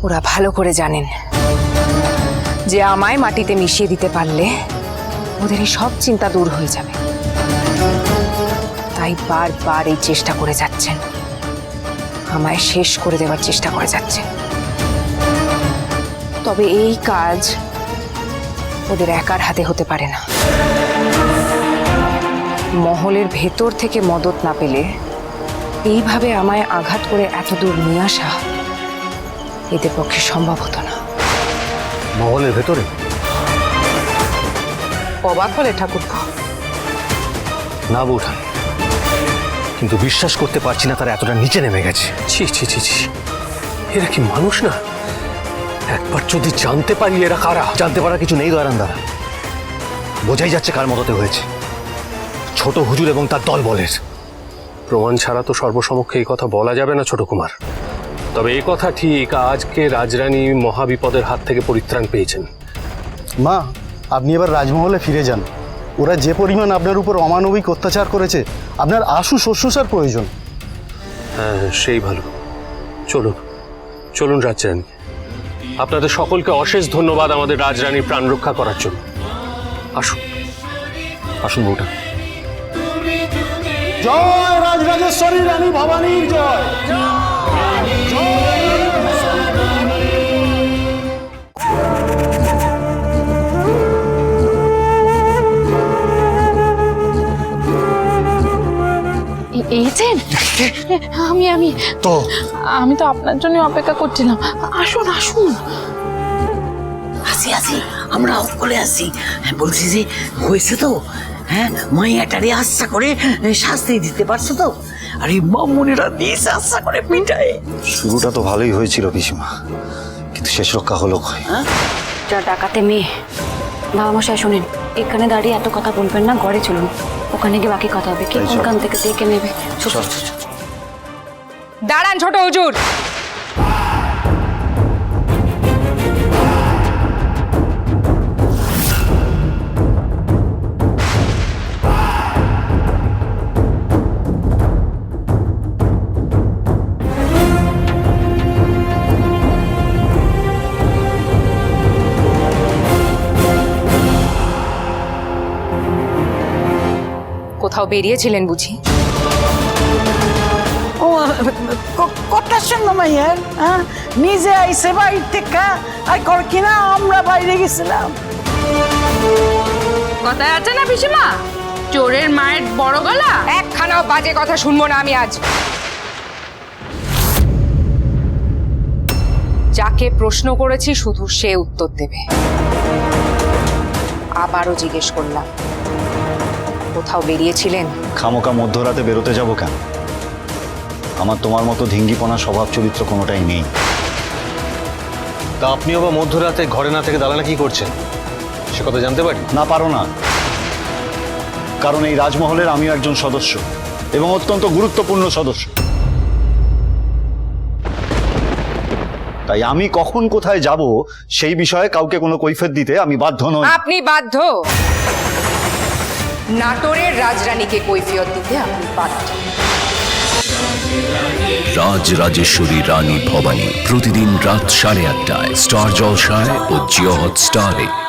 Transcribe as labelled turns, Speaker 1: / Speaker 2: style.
Speaker 1: ওরা ভালো করে জানেন যে আমায় মাটিতে মিশিয়ে দিতে পারলে ওদের এই সব চিন্তা দূর হয়ে যাবে। তাই বারবার এই চেষ্টা করে যাচ্ছেন, আমায় শেষ করে দেওয়ার চেষ্টা করে যাচ্ছেন। তবে এই কাজ ওদের একার হাতে হতে পারে না। মহলের ভেতর থেকে মদত না পেলে এইভাবে আমায় আঘাত করে এত দূর নিয়ে আসা এদের পক্ষে সম্ভব হতো না।
Speaker 2: মহলের ভেতরে?
Speaker 1: অবাক হলে ঠাকুরপো?
Speaker 2: না বৌঠান, কিন্তু বিশ্বাস করতে পারছি না তারা এতটা নিচে নেমে গেছে। ছি ছি ছি ছি, এরা কি মানুষ না? একবার যদি জানতে পারি এরা কারা। জানতে পারা কিছু নেই দয়ারান দাদা, বোঝাই যাচ্ছে কার মদতে হয়েছে। ছোট হুজুর এবং তার দল বলের। প্রমাণ ছাড়া তো সর্বসমক্ষে এই কথা বলা যাবে না ছোট কুমার। তবে এই কথা ঠিক, আজকে রাজরানী মহাবিপদের হাত থেকে পরিত্রাণ পেয়েছেন।
Speaker 3: মা, আপনি এবার রাজমহলে ফিরে যান। ওরা যে পরিমাণ আপনার উপর অমানবিক অত্যাচার করেছে, আপনার আশু শুশ্রূষার প্রয়োজন।
Speaker 2: হ্যাঁ, সেই ভালো। চলুন চলুন রাজরানী। আপনাদের সকলকে অশেষ ধন্যবাদ আমাদের রাজরানীর প্রাণ রক্ষা করার জন্য। আসুন আসুন বউটা।
Speaker 3: জয় রাজরাজেশ্বরী রানী ভবানীর জয়।
Speaker 4: এই যে আমি
Speaker 3: তো
Speaker 4: আমি তো আপনার জন্য অপেক্ষা করছিলাম। আসুন আসুন।
Speaker 5: আসি আমরা সকলে আসি। বলছি যে হয়েছে তো, হ্যাঁ, মাইয়াটারে আশা করে শাস্তি দিতে পারছো তো? আরে মামুনিরা দিয়েছে আশা করে পিঠায়।
Speaker 3: শুরুটা তো ভালোই হয়েছিল পিসিমা, কিন্তু শেষ রক্ষা হলো কই?
Speaker 6: যা ডাকাতে মেয়ে। বাবা মশাই শুনেন, এখানে দাঁড়িয়ে এত কথা বলবেন না, ঘরে চলুন, ওখানে গিয়ে বাকি কথা হবে। কি ওখান থেকে দেখে নেবে।
Speaker 1: দাঁড়ান ছোট হুজুর। কোথাও বেরিয়েছিলেন বুঝি?
Speaker 5: ও কটার সঙ্গে মাইয়ার নিজে আইসে বাইর থেকে আর কর কিনা আমরা বাইরে গেছিলাম।
Speaker 4: কথায় আছে না পিসিমা, চোরের মায়ের বড় গলা।
Speaker 1: একখানাও বাজে কথা শুনবো না আমি আজ। যাকে প্রশ্ন করেছি শুধু সে উত্তর দেবে। আবারও জিজ্ঞেস করলাম, কোথাও বেরিয়েছিলেন?
Speaker 3: খামোকা মধ্যরাতে বেরোতে যাব কেন? আমার তোমার মতো ধিঙ্গিপনা স্বভাব চরিত্র কোনোটাই নেই।
Speaker 2: তা আপনিও বা মধ্যরাতে ঘরে না থেকে দালানা কি করছেন সে কথা জানতে পারি?
Speaker 3: না, পারো না, কারণ এই রাজমহলের আমিও একজন সদস্য এবং অত্যন্ত গুরুত্বপূর্ণ সদস্য। তাই আমি কখন কোথায় যাব সেই বিষয়ে কাউকে কোনো কৈফিয়ত দিতে আমি বাধ্য নই।
Speaker 1: আপনি বাধ্য। নাটোরের রাজরানীকে কৈফিয়ত দিতে আপনি বাধ্য।
Speaker 7: রাজরাজেশ্বরী রানী ভবানী প্রতিদিন রাত 8:30টায় স্টার জলসায় ও জিও হটস্টারে।